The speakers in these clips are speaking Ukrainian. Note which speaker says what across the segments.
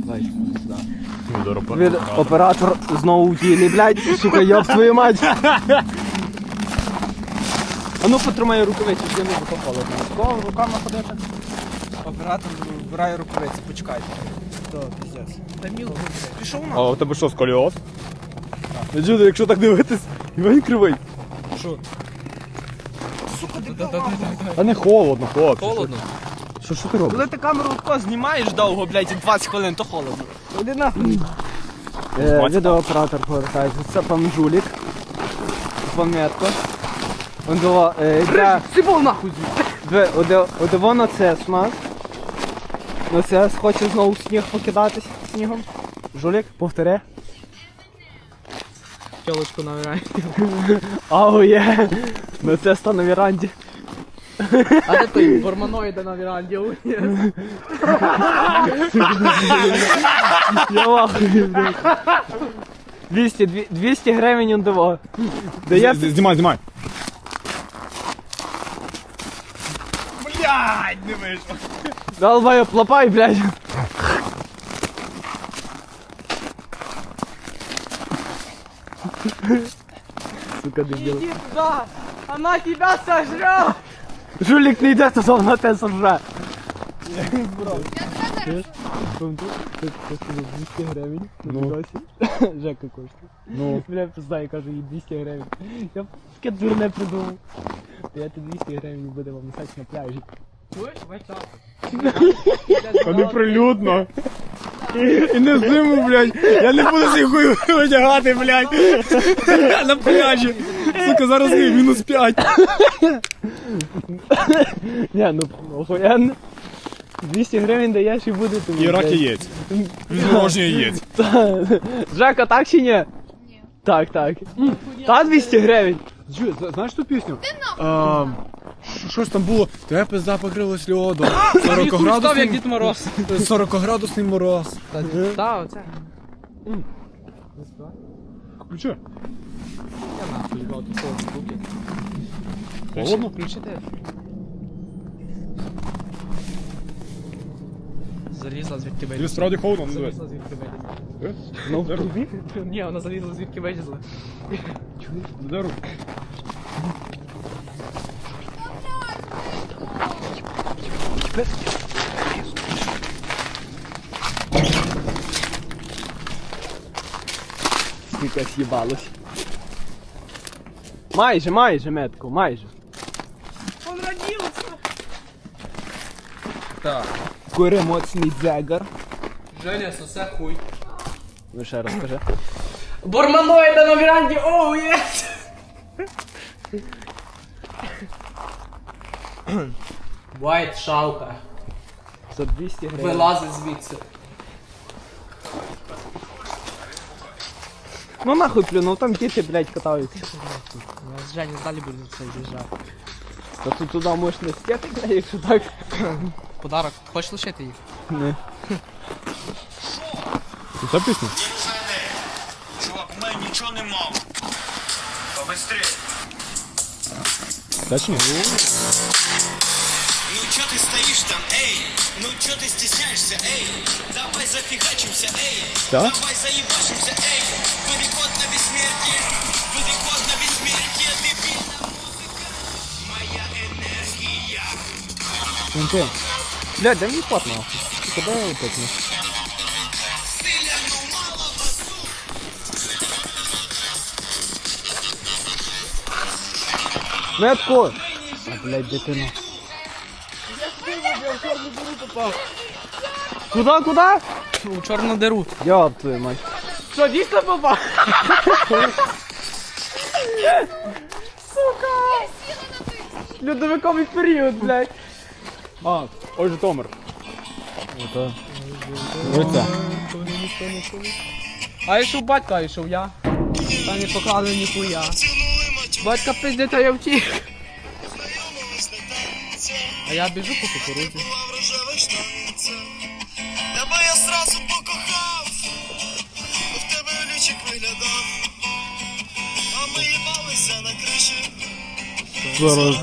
Speaker 1: Від оператор знову в тілі, блядь, сука, йоб твою мать. А ну потримай рукавиці, щоб не було холодно. Кого руками ходити? Оператор вбирає рукавиці, почекайте. То, піздець. Та мілко, пішов на.
Speaker 2: А у тебе що, сколіоз? Джуди, якщо так дивитись, він кривий.
Speaker 1: Що? Сука, дебіл.
Speaker 2: А не холодно, хлопці.
Speaker 1: Холодно?
Speaker 2: Що ти робиш?
Speaker 1: Коли ти камеру тако знімаєш довго, блядь, 20 хвилин, то холодно. Іди нахуй. Відеооператор повертається. Це пан Жулік. Пам'ятко. Он дова, сибол нахуй звідти. Одиво нацес у нас. Нацес хоче знову сніг покидатись снігом. Жулік, повтори. Тілочку на веранді. Ау є. Нацес та на веранді. А де той борманоїда на веранді? Я вахую, блядь. 200 гривень он диво.
Speaker 2: Знімай. Блядь, не вийшло.
Speaker 1: Долбаю, плопай, блядь. Сука, дебил. Иди туда, она тебя сожрет. Жулик не йде, то вона тебе сожре. Я 200 гривень.
Speaker 2: Ну.
Speaker 1: Жека коштує.
Speaker 2: Ну.
Speaker 1: Бля, пиздаю, кажу, їй 200 гривень. Я таке дурне придумав. То я тобі 200 гривень буде вам носити на пляжі. Чуєш? Вайчак.
Speaker 2: А не прилюдно. І не зиму, блядь. Я не буду цей хуй одягати, блядь. На пляжі. Сука, зараз мінус 5.
Speaker 1: Не, ну охуєнно. 200 гривень даєш і буде тобі.
Speaker 2: І рак яєць. Відмороження яєць.
Speaker 1: Жека, так чи ні? Ні. Так. Та 200 гривень.
Speaker 2: Знаєш ту пісню? Що ж там було? Тебе пизда покрилась льодом. 40-градусний мороз.
Speaker 1: Так, оце.
Speaker 2: Включи.
Speaker 1: Я нахуй, його тут штуки.
Speaker 2: Холодно?
Speaker 1: Включите. Залізла звідки
Speaker 2: Тобі
Speaker 1: вилізла.
Speaker 2: справді холодно, ну
Speaker 1: Залізла звідки вилізла.
Speaker 2: Ну, де руку?
Speaker 1: Ні, вона залізла звідки вилізла.
Speaker 2: Чуєш? Де руку?
Speaker 1: Скільки з'їбалось. Майже, метку, майже. Он родився! Так. Кури моцний дзегар.
Speaker 3: Женя, сосе хуй.
Speaker 1: Ну ще раз скажи.
Speaker 3: Борманоїда на веранді, оу, єс! Вайт шалка.
Speaker 1: За 200 гривень.
Speaker 3: Вилазить звідси.
Speaker 1: Ну нахуй плюнув, там діти, блядь, катаються.
Speaker 3: З Жені далі буде це з'їжджати.
Speaker 1: Та тут туди можеш не стяти, блядь, якщо так.
Speaker 3: Подарок. Хочеш лишити їх?
Speaker 1: Не.
Speaker 2: Це пісня?
Speaker 4: Чувак, у мене нічого не мав. Побыстрее.
Speaker 2: Точно?
Speaker 4: Ну чё ты стоишь там, эй? Ну чё ты стесняешься, эй? Давай зафигачимся, эй.
Speaker 2: Да?
Speaker 4: Давай заебашимся, эй. Переход на бессмертие. Переход на бессмертие. Дебильная музыка. Моя энергия.
Speaker 1: Вон блядь, дай мені пот нахуй. Куди я опитну?
Speaker 4: Стиля, ну мало басу.
Speaker 1: Метку! А, блядь, дитина. Куда?
Speaker 3: У чорну диру.
Speaker 1: Йоп твою мать. Що, дійсно попав? Сука! Льодовиковий період, блядь.
Speaker 2: А, ой, Житомир.
Speaker 1: Ото.
Speaker 2: Оце.
Speaker 3: А йшов батько, а йшов я. Та не поклали ніхуя. Батька пиздить, а я втік. А я біжу по кукурудзі.
Speaker 4: Тебе я сразу покохав. В тебе лючик виглядав. А ми їбалися на криші.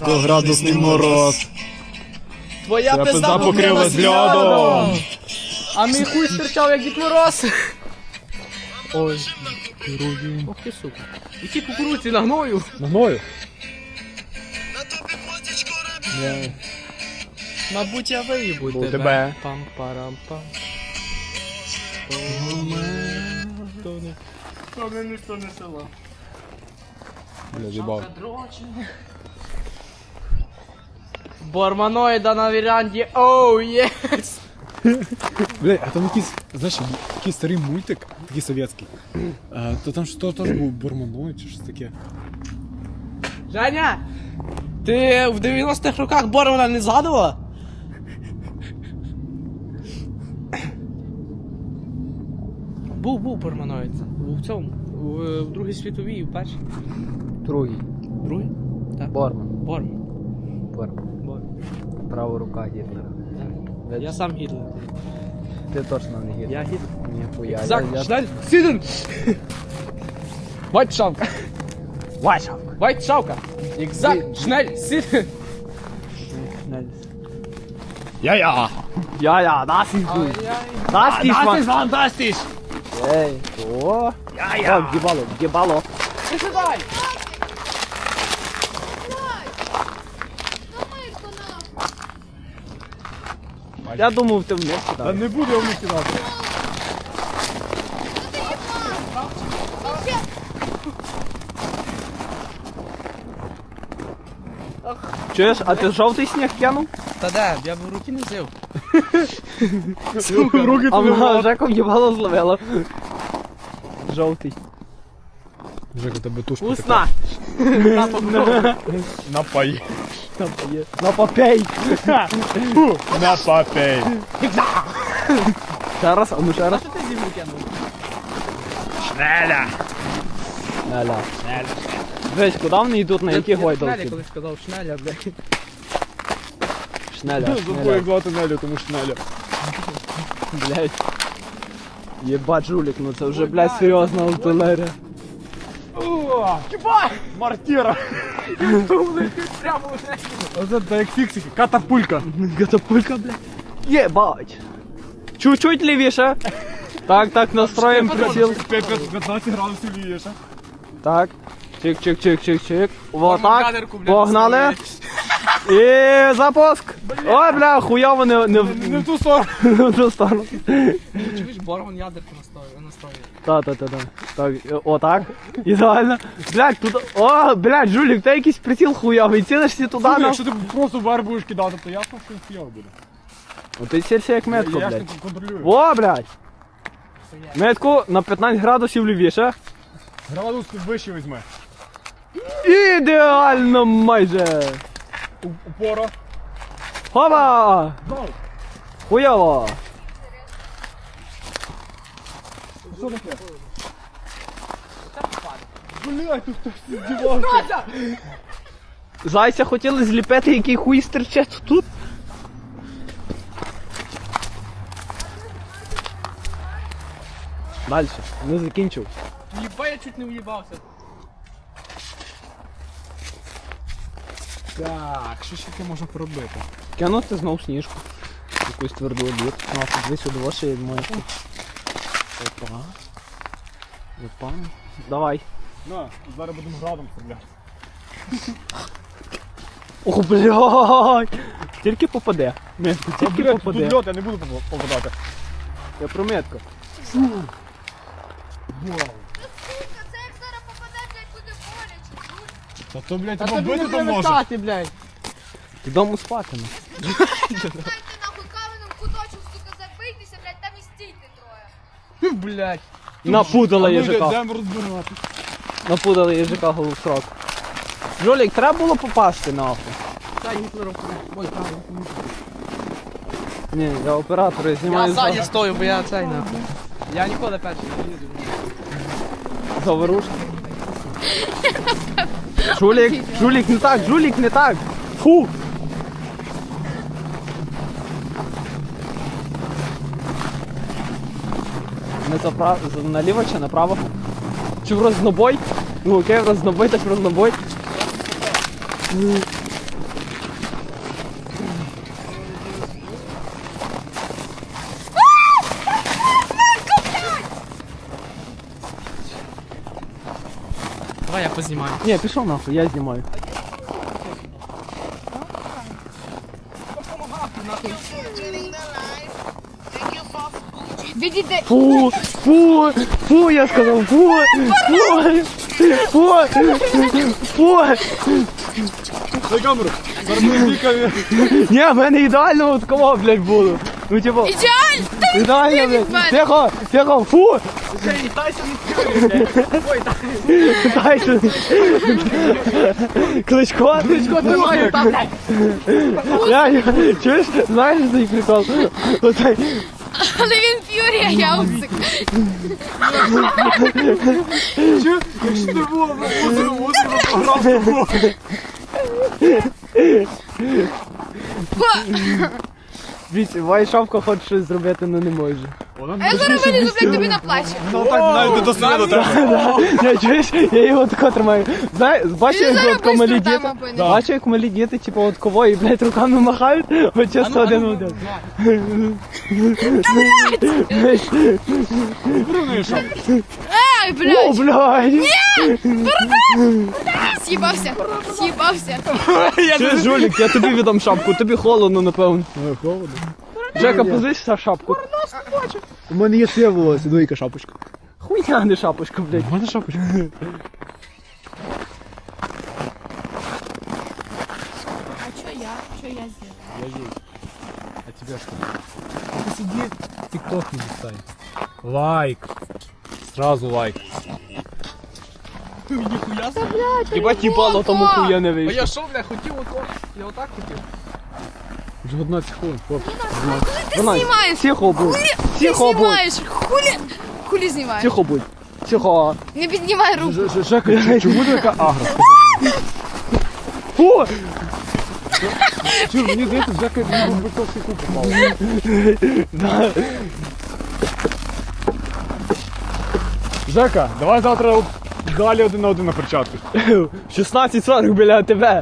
Speaker 2: 40-градусний мороз.
Speaker 3: Твоя
Speaker 2: Ця пизда покрилась льодом.
Speaker 3: А мій хуй стирчав, як Дід Мороз. Ой, ох ти сука. Які кукурудзі на гною?
Speaker 2: Ногою?
Speaker 3: Мабуть, я виїбу
Speaker 2: У тебе.
Speaker 3: Пам-парам-пам.
Speaker 1: Що мене ніхто не село.
Speaker 2: Бля, з'їбав.
Speaker 3: Борманоїда на вірянді, оу, єс!
Speaker 2: Бля, а там якийсь, знаєш, якийсь старий мультик, такий совєтський. То там що теж був Борманоїд чи щось таке.
Speaker 3: Женя! Ти в 90-х роках Бормана не згадувала? Був Борманоїд. В цьому, в Другій світовій і в першій.
Speaker 1: Другий.
Speaker 3: Другий? Так.
Speaker 1: Борман.
Speaker 3: Борман.
Speaker 1: Борман. Права рука Гітлера.
Speaker 3: Я сам Гітлер.
Speaker 1: Ти точно не Гітлер.
Speaker 3: Я Гітлер.
Speaker 1: Ніхуя.
Speaker 3: Зак, schnell, сиден! Вайтшавка.
Speaker 1: Вайшавка.
Speaker 3: Вайтшавка. Exakt, schnell, сиден!
Speaker 2: Я-я!
Speaker 1: Ja, das ist gut. Das ist man.
Speaker 2: фантастич!
Speaker 1: Ей, о. О, гібало, гібало.
Speaker 3: Присідай!
Speaker 1: Я думав, ти вниз
Speaker 2: Та
Speaker 1: кидав.
Speaker 2: не буду я вниз кидати.
Speaker 1: Чуєш, а ти жовтий сніг кинув?
Speaker 3: Та де, я б в руки не взяв.
Speaker 2: Руки
Speaker 1: А
Speaker 2: туди
Speaker 1: вона
Speaker 2: в рот.
Speaker 1: Жеку гібало зловила. Жовтий.
Speaker 2: Жека, тебе тушка
Speaker 1: Вкусна.
Speaker 2: Напай.
Speaker 1: На попей.
Speaker 2: Напапей.
Speaker 1: Ще раз, а ну ще раз.
Speaker 3: Що ти зім'ю кинув?
Speaker 2: Шнеля.
Speaker 1: Ля-ля. Дивись, куди вони йдуть, на які
Speaker 3: Я Шнеля
Speaker 1: гойдалки?
Speaker 3: колись сказав, шнеля, блядь.
Speaker 1: Шнеля,
Speaker 2: Забув
Speaker 1: шнеля.
Speaker 2: як звати Нелю, тому шнеля.
Speaker 1: Блядь. Єбать, жулік, ну це вже, блядь, серйозна артилерія.
Speaker 2: Мартира.
Speaker 3: Прямо в неї.
Speaker 2: Оце так як фіксики. Катапулька.
Speaker 1: Катапулька, блядь. Єбать. Чуть-чуть лівіше. Так, настроїм приціл.
Speaker 2: 15 градусів лієш.
Speaker 1: Так. Чик-чик-чик-чик-чик. Вот
Speaker 3: Там
Speaker 1: так.
Speaker 3: кадерку, блядь,
Speaker 1: Погнали. І запуск. Ой, бля, хуйово не
Speaker 2: Не в ту сторону.
Speaker 1: в ту сторону.
Speaker 3: Чуєш, Борман ядерку настроює.
Speaker 1: Та. Так, отак. Ідеально. Блядь, тут. О, блядь, жулік, ти якийсь приціл хуйовий. Цілишся туди,
Speaker 2: Слухай,
Speaker 1: на.
Speaker 2: якщо ти просто вар будеш кидати, то ясно, що хуйово буде.
Speaker 1: Ну ти цілься як метко,
Speaker 2: Я ж
Speaker 1: блядь.
Speaker 2: не контролюю.
Speaker 1: О, блядь. Метку на 15 градусів лівіше.
Speaker 2: Градус вище візьме.
Speaker 1: Ідеально майже.
Speaker 2: Упора.
Speaker 1: Хова!
Speaker 2: Гол.
Speaker 1: Хуйово.
Speaker 2: Що таке? Блядь, тут хтось здівався.
Speaker 1: Зайця хотіли зліпити, який хуй стерче тут. Дальше, не закінчив.
Speaker 3: Єба, я чуть не в'їбався.
Speaker 2: Так, що ще таке можна поробити?
Speaker 1: Кинути знов сніжку. Якусь тверду обід. Ну, а тут десь у двоші моє. Опа. Давай.
Speaker 2: На, зараз будемо градом стріляти.
Speaker 1: Ох, блядь. Тільки попаде. Метку, тільки
Speaker 2: Блядь,
Speaker 1: попаде.
Speaker 2: тут льот, я не буду попадати.
Speaker 1: Я про метку.
Speaker 5: Це як зараз попаде, блядь, буде боляче.
Speaker 2: Та то, блядь,
Speaker 3: Та
Speaker 2: тебе
Speaker 3: тобі не
Speaker 2: бити то може.
Speaker 3: привертати, блядь.
Speaker 1: Додому спати. Ну.
Speaker 5: Дайте нахуй каменем куточок, сука, забийтеся, блядь, там і стійте троє.
Speaker 3: Блядь.
Speaker 1: Напудала
Speaker 2: А ну,
Speaker 1: їжака.
Speaker 2: йдемо розбирати.
Speaker 1: Напудали їжака голосрок. Жолік, треба було попасти нахуй.
Speaker 3: Та Гітлером. Ой, правильно.
Speaker 1: Ні, я оператора
Speaker 3: Я
Speaker 1: знімаю
Speaker 3: ззаді стою, бо я цей нахуй. Я ніколи перший не їду.
Speaker 1: за ворушки. Жулік не так, жулік не так. Фу. Не наліво чи направо? Чи в рознобой? Ну окей, в рознобой, так в рознобой.
Speaker 3: Давай я познімаю.
Speaker 1: Ні, пішов нахуй, я знімаю.
Speaker 5: Відійди.
Speaker 1: Фу, я сказав, фу.
Speaker 2: На камеру. Зараз ми віками.
Speaker 1: Ні, в мене ідеально от кого, блядь, було. Ну, типу,
Speaker 5: Ідеально!
Speaker 1: ідеально,
Speaker 5: від мене.
Speaker 1: блядь. Тихо, фу. Тайсон. Кличко тримає там, блядь. Чуєш, знаєш цей прикол? Оцей.
Speaker 5: Але він ф'юрі, а я усик.
Speaker 2: Якщо не було б озеро програв.
Speaker 1: Вісь, Вайшавка хоче щось зробити, але не може.
Speaker 5: А я зараз вилізу, блядь, тобі на плечі.
Speaker 2: Ну так навіть не до сліду треба.
Speaker 1: Я чуєш, я його тако тримаю. Знаєш, бачиш,
Speaker 5: Він
Speaker 1: як
Speaker 5: зараз
Speaker 1: от ко малі
Speaker 5: быстро
Speaker 1: діти?
Speaker 5: там опиниться.
Speaker 1: Бачиш, як малі діти, типу, от кого, і, блядь, руками махають, от часто один в один.
Speaker 5: Ай,
Speaker 1: О,
Speaker 5: блядь,
Speaker 1: блядь!
Speaker 5: з'їбався.
Speaker 1: Чуєш, жулік, я тобі віддам шапку, тобі холодно, напевно.
Speaker 2: Холодно.
Speaker 1: Жека, позичся шапку.
Speaker 2: У мене є своє волосся, двійка шапочка.
Speaker 1: Хуйня, не шапочка, блядь.
Speaker 2: У мене шапочка.
Speaker 5: А що я? Що я зробила?
Speaker 2: А тебе что? Ты сиди, тикток не листай. Лайк. Сразу лайк.
Speaker 1: Єбать їбало, тому хуя не
Speaker 3: А
Speaker 1: вийшло.
Speaker 3: я що, бля, хотів ото? Я отак хотів.
Speaker 2: Вже 11 хвилин, хлопці.
Speaker 5: Ти знімаєш?
Speaker 1: Тихо будь.
Speaker 5: Ти
Speaker 1: Тихо будь.
Speaker 5: знімаєш? Хулі знімаєш?
Speaker 1: Тихо будь. Тихо.
Speaker 5: Не піднімай руку.
Speaker 2: Жека, чому ти така агра?
Speaker 1: Фу!
Speaker 2: Чур, мені здається, Жека мені був битовський куб попав. Жека, давай завтра далі 1 на 1 на перчатку.
Speaker 1: 16:40 біля тебе.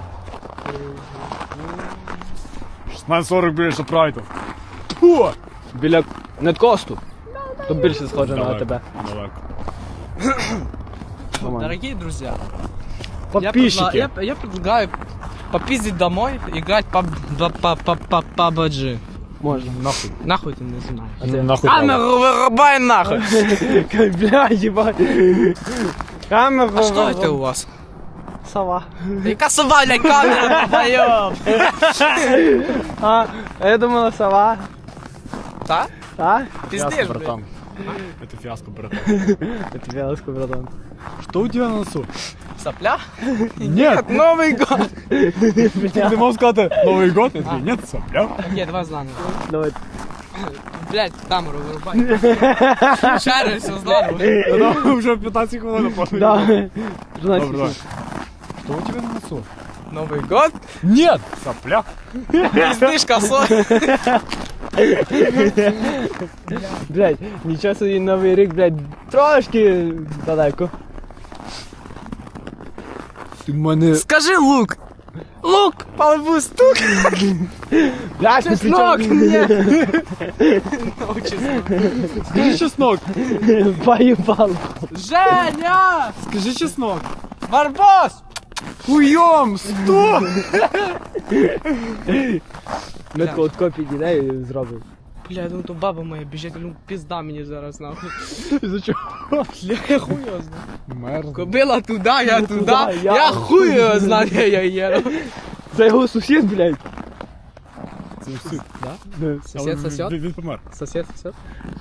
Speaker 2: 16:40 біля Шапрайту. Фу!
Speaker 1: Біля Неткосту. Тут більше схоже на
Speaker 2: Далеко,
Speaker 1: тебе.
Speaker 2: далеко.
Speaker 1: Нормально.
Speaker 3: Дорогие друзья,
Speaker 2: Подписчики.
Speaker 3: я предлагаю попиздить домой, играть по PUBG.
Speaker 1: Можна.
Speaker 2: Нахуй.
Speaker 3: Нахуй ты не знаешь.
Speaker 2: Нахуй.
Speaker 3: Камеру вырубай нахуй!
Speaker 1: Бля, їбать. Камера.
Speaker 3: А что это у вас?
Speaker 1: Сова.
Speaker 3: Яка сова, блядь, камера, долбоёб!
Speaker 1: А я думала сова.
Speaker 3: Да?
Speaker 1: А?
Speaker 3: Пиздишь,
Speaker 2: Фиаско,
Speaker 3: блядь.
Speaker 2: братан. Это фиаско, братан.
Speaker 1: Это вялоску, братан.
Speaker 2: Что у тебя на носу?
Speaker 3: Сопля?
Speaker 2: Нет!
Speaker 3: Новый год!
Speaker 2: Ты мог сказать Новый год? Я такой, нет, сопля.
Speaker 3: Нет, давай заново.
Speaker 1: Давай.
Speaker 3: Блядь, камеру вырубай. Шарю, все заново.
Speaker 2: Она уже 15 хвилин после.
Speaker 1: Да.
Speaker 2: Добре,
Speaker 1: 13
Speaker 2: давай. Что у тебя на носу?
Speaker 3: Новый год?
Speaker 2: Нет! Сопля.
Speaker 3: Пиздишь косой.
Speaker 1: Блядь, нічого собі новий рік, блядь, трошки далеко.
Speaker 2: Ти мене...
Speaker 3: Скажи лук. Лук, по лбу стук.
Speaker 1: Блядь, ну
Speaker 3: Чеснок
Speaker 1: причому...
Speaker 3: мне.
Speaker 2: Скажи чеснок.
Speaker 1: Поїбал.
Speaker 3: Женя!
Speaker 2: Скажи чеснок.
Speaker 3: Барбос!
Speaker 2: Хуем! 100!
Speaker 1: Ми тако от копій дітей і зробив.
Speaker 3: Бля, я думаю, то баба моя біжить, ну пизда мені зараз нахуй.
Speaker 2: Из-за чего?
Speaker 3: Бля, я хуй його знаю.
Speaker 2: Мерз.
Speaker 3: Кобила туди, я туди,
Speaker 1: туди,
Speaker 3: я хуй його знаю, я їду.
Speaker 1: Це його сусід, блядь.
Speaker 2: Це всі.
Speaker 1: Да.
Speaker 3: Сосед, сосед?
Speaker 2: Він помер.
Speaker 3: Сосед, сосед.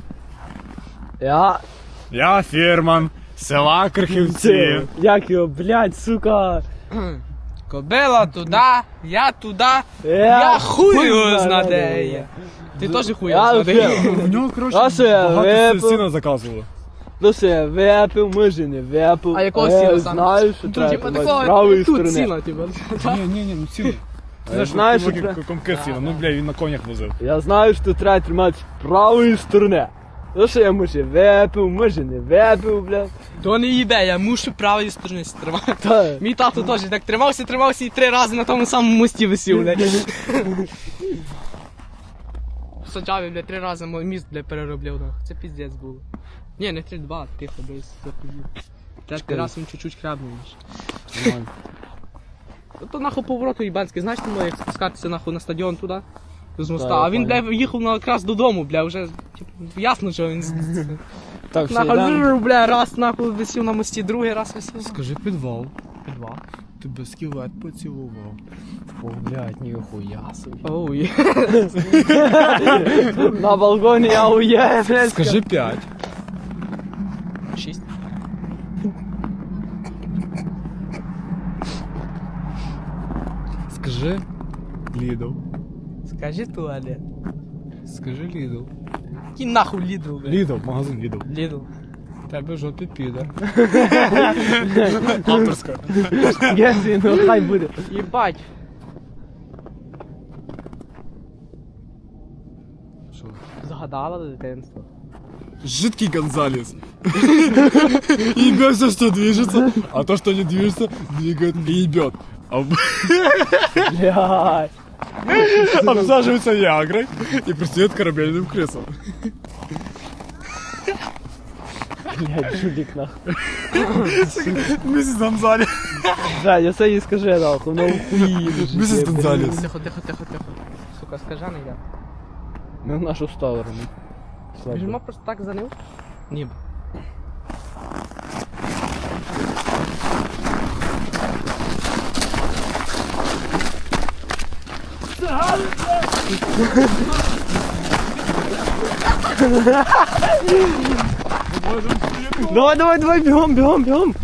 Speaker 2: Я фірман села Крихівці.
Speaker 1: Як його, блядь, сука.
Speaker 3: Кобила туди, я туди, я хуй його знаю, де я. Ти теж хуй його
Speaker 1: Я
Speaker 3: знаю, де я.
Speaker 2: У нього, коротше,
Speaker 1: А це,
Speaker 2: багато
Speaker 1: випив.
Speaker 2: сіна заказували.
Speaker 1: Ну все, випив, може не випив.
Speaker 3: А якого сіла саме?
Speaker 1: Знаю, що
Speaker 3: Типа
Speaker 1: треба з
Speaker 3: такого,
Speaker 1: правої
Speaker 3: тут
Speaker 1: сторони.
Speaker 3: сіла, типа.
Speaker 2: Ні, ну сіно.
Speaker 1: Я знаю, що
Speaker 2: що комки сіна. Ну, бля, він на конях возив.
Speaker 1: Я знаю, що треба тримати з правої сторони. Ну що я може випив, може не випив, блядь.
Speaker 3: То не їбе, я мушу правої сторони тримати.
Speaker 1: Та.
Speaker 3: Мій тато теж так тримався і 3 рази на тому самому мості висів, блядь. В Сочаві, блядь, 3 рази мій міст, блядь, переробляв, нахуй. Це піздець було. Ні, не 3-2, тихо, блядь, захуїв. Третій раз він чуть-чуть хрябнув. То нахуй повороту їбанський, знаєш, тому як спускатися нахуй на стадіон туди? З моста,
Speaker 1: Так,
Speaker 3: а він,
Speaker 1: понял.
Speaker 3: бля, їхав якраз додому, бля, вже типу, ясно, що він
Speaker 1: Так, все,
Speaker 3: нахуй,
Speaker 1: йдемо.
Speaker 3: бля, раз нахуй висів на мості, другий раз висів.
Speaker 2: Скажи підвал.
Speaker 3: Підвал.
Speaker 2: Тебе скелет поцілував.
Speaker 1: О, блядь, ніхуя собі.
Speaker 3: Оу,
Speaker 1: На балконі я уїду, блядь.
Speaker 2: Скажи 5.
Speaker 3: 6.
Speaker 2: Скажи Лідл.
Speaker 3: Скажи туалет.
Speaker 2: Скажи Лідл.
Speaker 3: Який нахуй Лідл, бля?
Speaker 2: Лідл, магазин Лідл.
Speaker 3: Лідл.
Speaker 2: Тебе жовтий піде. Авторська.
Speaker 1: Гесі, ну хай буде.
Speaker 3: Єбать.
Speaker 2: Що?
Speaker 3: Загадала дитинство.
Speaker 2: Жидкий Гонзалес. Ебет все, что движется, а то, что не движется, двигает и ебет.
Speaker 1: Блядь.
Speaker 2: Обсаживается Виагрой и пристает корабельным крысам.
Speaker 1: Блядь, жулік нахуй.
Speaker 2: Миссис Гонзалес.
Speaker 1: Блядь, я це їй скажи нахуй, ну хуї.
Speaker 2: Миссис Гонзалес.
Speaker 3: Тихо, тихо, тихо, тихо. Сука, скажи, не я.
Speaker 1: Ми в нашу сторону.
Speaker 3: Біжимо просто так за ним? Ні.
Speaker 1: Давай, давай, давай, бігом, бігом, бігом.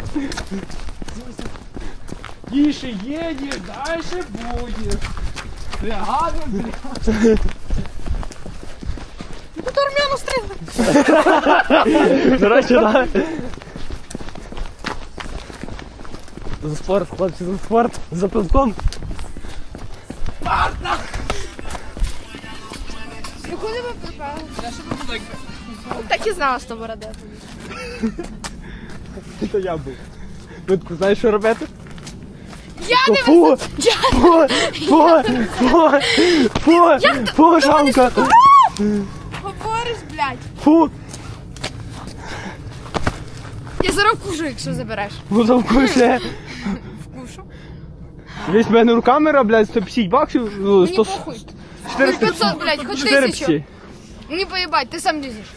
Speaker 3: Тише едешь, дальше будешь. Бригада, бригада.
Speaker 5: Тут армяну стріли.
Speaker 1: До речі, да. За спорт, хлопці, за спорт, за пивком.
Speaker 5: Ну куди ви припали? Так і знала, що борода.
Speaker 1: Це я був. Витку, знаєш, що робити?
Speaker 5: Я не
Speaker 1: Фу! Фу! Фу! Фу! Фу, шамка!
Speaker 5: говориш, блядь.
Speaker 1: Фу!
Speaker 5: Я зараз вкушу, якщо забереш.
Speaker 1: Ну там куше!
Speaker 5: Вкушу.
Speaker 1: Весь мене руками, блядь, 150 баксів, ну,
Speaker 5: Мені
Speaker 1: 100...
Speaker 5: похуй.
Speaker 1: 400,
Speaker 5: 500, блядь, хоч
Speaker 1: 400.
Speaker 5: 1000. Мені поїбать, ти сам лізеш.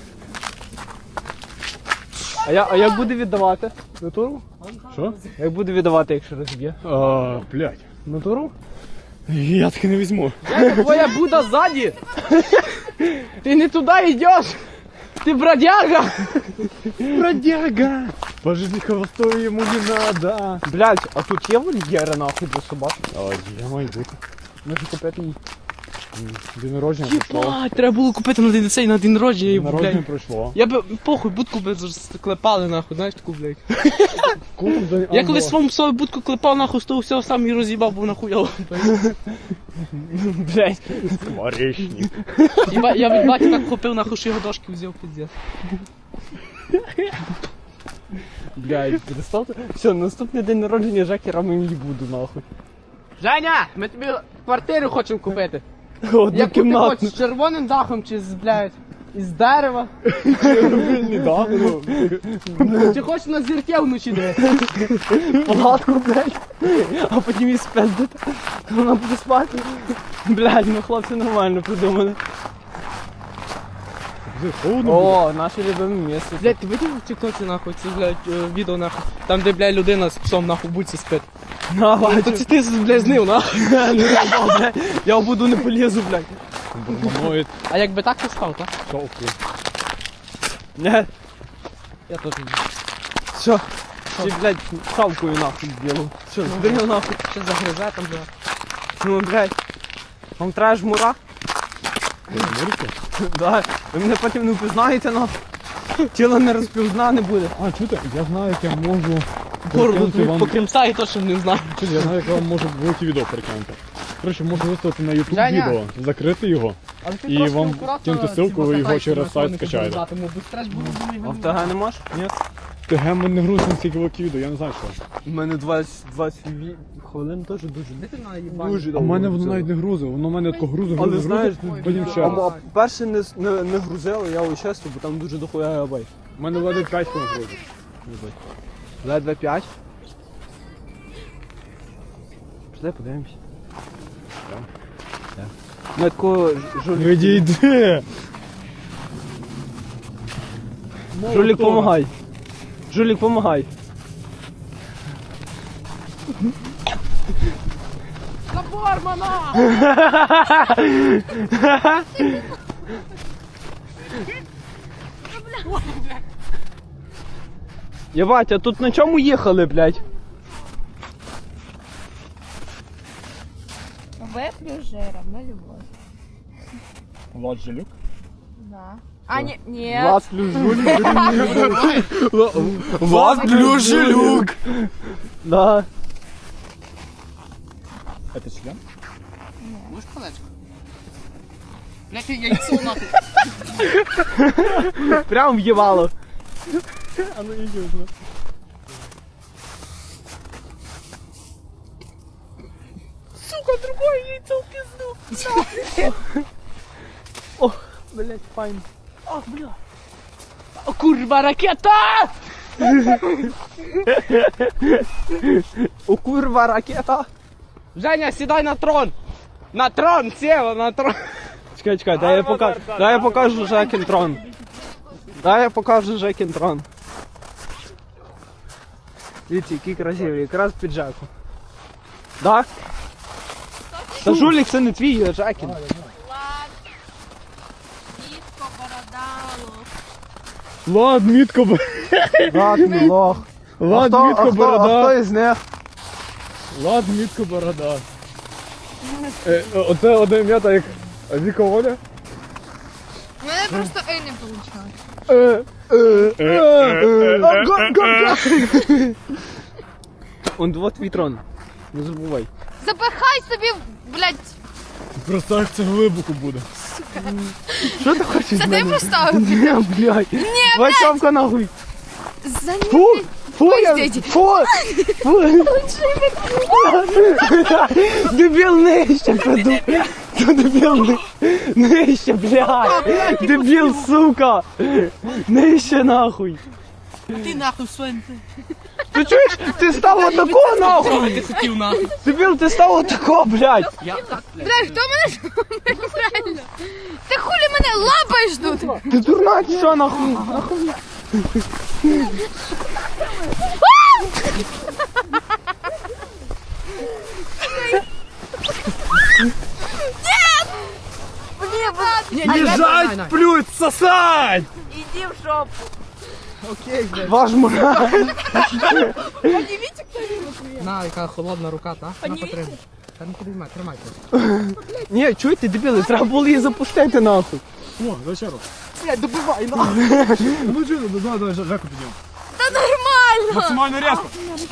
Speaker 1: А як буде віддавати? Натуру?
Speaker 2: Що?
Speaker 1: Як буде віддавати, якщо розб'є?
Speaker 2: Блядь.
Speaker 1: Натуру?
Speaker 2: Я таки не візьму.
Speaker 3: Твоя Буда сзади. Ты не туда идешь. Ты бродяга.
Speaker 2: Бродяга! По жизни холостой ему не надо.
Speaker 1: Блядь, а тут є вольєри нахуй для собак?
Speaker 2: Я маю бути.
Speaker 1: Може купити її?
Speaker 2: День народження пройшло.
Speaker 3: Єбать, треба було купити на день цей, на день народження. і,
Speaker 2: Народження
Speaker 3: блядь.
Speaker 2: пройшло.
Speaker 3: Я би похуй будку би клепали нахуй, знаєш таку, блядь. Я колись своєму псові будку клепав нахуй, з того всього сам і роз'їбав, бо нахуяв.
Speaker 1: Блядь.
Speaker 2: Скворечник.
Speaker 3: Я від баті так хопив нахуй, що його дошки взяв пиздец.
Speaker 1: Блядь, перестав. Все, наступний день народження Жекера ми не буду нахуй.
Speaker 3: Женя, ми тобі квартиру хочемо купити.
Speaker 1: Одну
Speaker 3: Яку ти
Speaker 1: кімнатну.
Speaker 3: хочеш, з червоним дахом чи з, блядь, із дерева?
Speaker 2: Не да,
Speaker 3: Чи хочеш на зірке вночі дивитися?
Speaker 1: Палатку, блядь. А потім її спиздити. Вона буде спати. Блядь, ну хлопці нормально придумали. О, наше любиме місце.
Speaker 3: Блядь, ти видів в тіктоці нахуй, це, блядь, відео нахуй, там де, блядь, людина з псом нахуй в будці спить.
Speaker 1: Давай,
Speaker 3: То це ти, блядь, знив, нахуй.
Speaker 1: я в буду не полізу, блядь.
Speaker 2: Бурманоид.
Speaker 3: А якби так ти спав, так?
Speaker 2: Шовку.
Speaker 1: Не,
Speaker 3: Я теж.
Speaker 1: все. Ти, блядь, шавкою нахуй зробив. Все, зберіг нахуй.
Speaker 3: Ще загризе там, блядь.
Speaker 1: Ну, блядь. Вам треба жмура? Да. Ви мене потім не впізнаєте, нахуй. Тіло не розпізнане буде.
Speaker 2: А, чути, я знаю, як я можу
Speaker 3: Бороду
Speaker 2: перекинути
Speaker 3: тобі
Speaker 2: вам...
Speaker 3: по кримсаю точно не знаю.
Speaker 2: Чути, я знаю, як я вам можу велике відео перекинути. Коротше, можу виставити на YouTube
Speaker 3: Женя.
Speaker 2: відео, закрити його.
Speaker 3: Але ти
Speaker 2: І
Speaker 3: трошки
Speaker 2: вам
Speaker 3: акуратно
Speaker 2: кинути
Speaker 3: ці
Speaker 2: ссылку, ви його
Speaker 3: батарейки
Speaker 2: через
Speaker 3: на телефоні
Speaker 2: сайт скачаєте.
Speaker 3: подати, бо стрес буде
Speaker 1: А в ТГ не можеш? Ні.
Speaker 2: ТГ мене грузить настільки велике відео, я не знаю що.
Speaker 1: У мене 20 хвилин теж дуже.
Speaker 3: Де ти на їбані?
Speaker 1: Дуже
Speaker 2: А в
Speaker 1: довго
Speaker 2: мене воно
Speaker 1: взяло.
Speaker 2: навіть не грузить, воно в мене тако грузить,
Speaker 1: Але
Speaker 2: грузить,
Speaker 1: знаєш,
Speaker 2: грузить, потім ще раз.
Speaker 1: А перше не грузило, я ось чесно, бо там дуже дохуя габайт.
Speaker 2: У мене владить 5 хвилин грузить.
Speaker 1: Ледве 5. Пішли, подивимось. Так. Ми таку
Speaker 2: Відійди.
Speaker 1: Жулік, помагай. Жулік, помагай.
Speaker 3: Забормана!
Speaker 1: Єбать, а тут на чому їхали, блядь?
Speaker 5: В плюс жиром, на любовь.
Speaker 2: Влад Жилюк.
Speaker 5: Да. А, нет.
Speaker 1: Влад плюс Жулік. Влад плюс Жилюк. Да.
Speaker 2: Это член?
Speaker 3: Можеш колечко? Блядь, яйцо нахуй.
Speaker 1: Прям в'їбало.
Speaker 2: А ну иди уже.
Speaker 3: Сука, другое яйцо в пизду.
Speaker 1: Ох, блядь, файн.
Speaker 3: Ах, бля. О, курва, ракета!
Speaker 1: О, курва, ракета.
Speaker 3: Женя, сідай на трон! На трон, села, на трон!
Speaker 1: Чекай, чекай, дай я покажу Жекін трон. Дай я покажу Жекін трон. Дивіться, який красивий, якраз під Жеку. Да? Та Жулік це не твій, а Жекін.
Speaker 5: Влад. Дітко, бородало.
Speaker 2: Влад, мітко,
Speaker 1: Влад, мій лох.
Speaker 2: Влад,
Speaker 1: А
Speaker 2: мітко,
Speaker 1: хто
Speaker 2: борода.
Speaker 1: із них?
Speaker 2: Влад, мітко, борода. Оце одне ім'я, так як Віка Оля.
Speaker 5: У мене просто Ей не вийшло.
Speaker 1: Он вот твій трон. Не забувай.
Speaker 5: Запихай собі, блядь,
Speaker 2: Просто як це глибоко буде.
Speaker 1: Що ти хочеш?
Speaker 5: це ти поставив?
Speaker 1: Ні, блядь.
Speaker 5: Ні,
Speaker 1: Васьовка нахуй.
Speaker 5: За
Speaker 1: Фу,
Speaker 5: ним.
Speaker 1: фу, я,
Speaker 5: Пиздіть.
Speaker 1: фу, фу. Дебіл нижче, паду. Дебіл нижче, блядь. Дебіл, сука. Нижче нахуй.
Speaker 3: Ти нахуй свинти.
Speaker 1: Ти чуєш? Ти став отако нахуй.
Speaker 3: Ти хотів нахуй.
Speaker 1: Дебіл, ти став отако, блядь.
Speaker 3: Я так, блядь.
Speaker 5: Блядь, хто мене реально? Ти хулі мене лапаєш тут?
Speaker 1: Ти дурна, чи що нахуй?
Speaker 2: Лежать, плють, сосать!
Speaker 5: Іди в жопу.
Speaker 1: Ваш мурак.
Speaker 3: На, яка холодна рука, та? На, потримай. Та не підіймай, тримай.
Speaker 1: Ні, чуєте, дебіли, треба було її запустити нахуй.
Speaker 2: О, зачем?
Speaker 1: Блядь, добивай нахуй.
Speaker 2: Ну что, давай Жеку підемо.
Speaker 5: Та нормально.
Speaker 2: Максимально резко.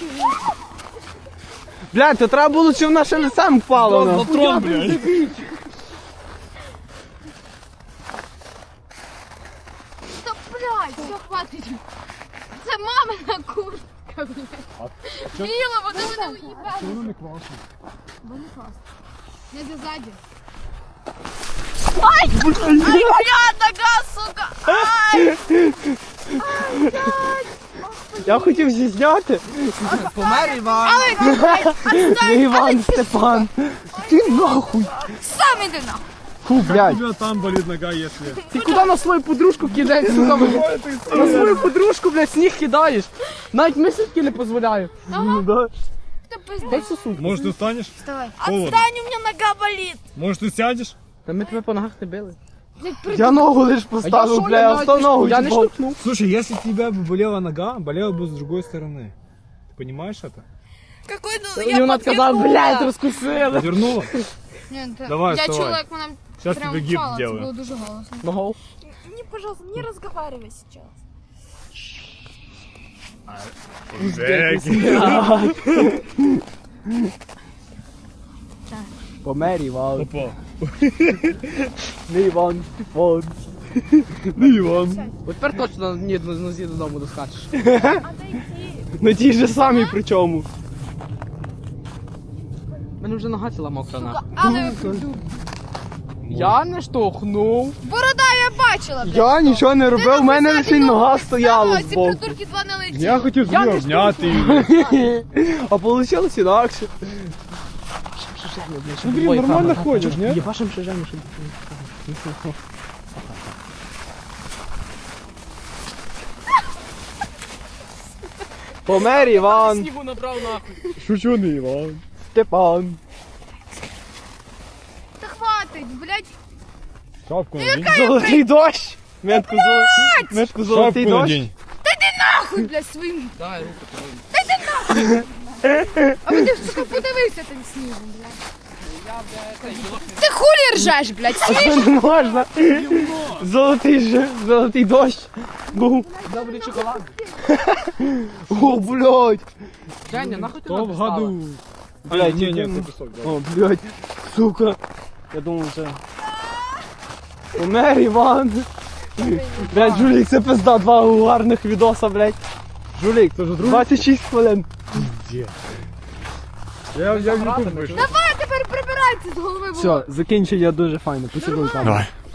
Speaker 1: Блядь, то треба було, чи вона ще не сам впала нахуй.
Speaker 2: Патрон, блядь.
Speaker 5: Та блядь, все, хватить. Це мамина куртка, блядь. Біла, вона мене уїбала.
Speaker 2: Воно не класно.
Speaker 5: Бо не класно. Не ззаді. Ай, блядь, нога, сука. Ай.
Speaker 1: Я хотів зізняти.
Speaker 3: Помер Іван.
Speaker 1: Не Іван Степан. Ти нахуй.
Speaker 5: Сам іди нахуй.
Speaker 1: Фу,
Speaker 2: У
Speaker 1: блядь.
Speaker 2: тебя там болит нога, если...
Speaker 1: Ти куди на свою подружку кидаєш, сука, блядь? На свою подружку, блядь, сніг кидаєш. Навіть мисочки не дозволяю. Ну да.
Speaker 5: Та пиздець.
Speaker 1: Дай сосуд.
Speaker 2: Может, ты встанешь?
Speaker 5: Вставай.
Speaker 2: Холодно.
Speaker 5: Отстань, у меня нога болит.
Speaker 2: Может, ты сядешь?
Speaker 3: Та ми тебе по ногах не били.
Speaker 1: Я ногу лиш поставив, бля, я встав ногу.
Speaker 3: Я не
Speaker 1: типу.
Speaker 3: штовхнув.
Speaker 2: Слушай, если у тебя бы болела нога, болела бы с другой стороны. Ты понимаешь это?
Speaker 5: Какой, ну,
Speaker 3: І вона сказала, блядь, розкусили.
Speaker 2: Вернула?
Speaker 5: Ні, та-
Speaker 2: Давай,
Speaker 5: я
Speaker 2: вставай.
Speaker 5: чула, як вона
Speaker 2: Сейчас
Speaker 5: прям
Speaker 2: тебе гипс
Speaker 5: впала, це
Speaker 2: сделаю.
Speaker 5: було дуже голосно.
Speaker 3: Ногов.
Speaker 5: Не, пожалуйста, не разговаривай сейчас.
Speaker 1: Помер Іван.
Speaker 2: Опа.
Speaker 1: Не Іван Степан. Не Іван.
Speaker 3: От тепер точно ні одну нозі додому доскачеш.
Speaker 1: На тій же самій причому.
Speaker 3: У мене вже нога ціла мокра нахуй.
Speaker 5: Але
Speaker 3: Я не штовхнув.
Speaker 5: борода, я бачила, блядь.
Speaker 1: Я нічого не робив, в мене лише нога стояла
Speaker 5: Ці
Speaker 1: збоку.
Speaker 5: придурки два не летять.
Speaker 2: Я хотів собі обняти її.
Speaker 1: А вийшло інакше.
Speaker 2: Ну, блін, нормально ходиш, ні?
Speaker 3: Єбашим ще Женю, щоб...
Speaker 1: Помер Іван,
Speaker 3: Снігу набрав нахуй.
Speaker 2: Шучу не, Іван.
Speaker 1: Степан.
Speaker 5: Та хватить, блядь.
Speaker 2: Шапку надінь.
Speaker 1: Золотий дощ. Метку золотий
Speaker 2: Шапку
Speaker 1: дощ.
Speaker 2: надінь.
Speaker 5: Нахуй, блядь, своїм.
Speaker 3: Давай руку.
Speaker 5: А ви ти, сука, подивися тим снігом, блядь. Ти хулі ржеш, блядь, сніг.
Speaker 1: Не можна. Золотий дощ. Був.
Speaker 3: Добрий шоколад.
Speaker 1: О, блядь.
Speaker 3: Женя, нахуй ти
Speaker 2: То в году.
Speaker 1: Блядь,
Speaker 2: ні,
Speaker 1: ні,
Speaker 2: це пісок. да.
Speaker 1: О, блядь, сука. Я думав, це... Помер Іван. Блядь, Жулік, це пизда, два гарних відоса, блядь. Жулік, 26 хвилин.
Speaker 2: Я в YouTube вийшов.
Speaker 5: Давай тепер прибирайся з голови.
Speaker 1: Все, закінчення дуже файно, посідуй там.
Speaker 2: Давай.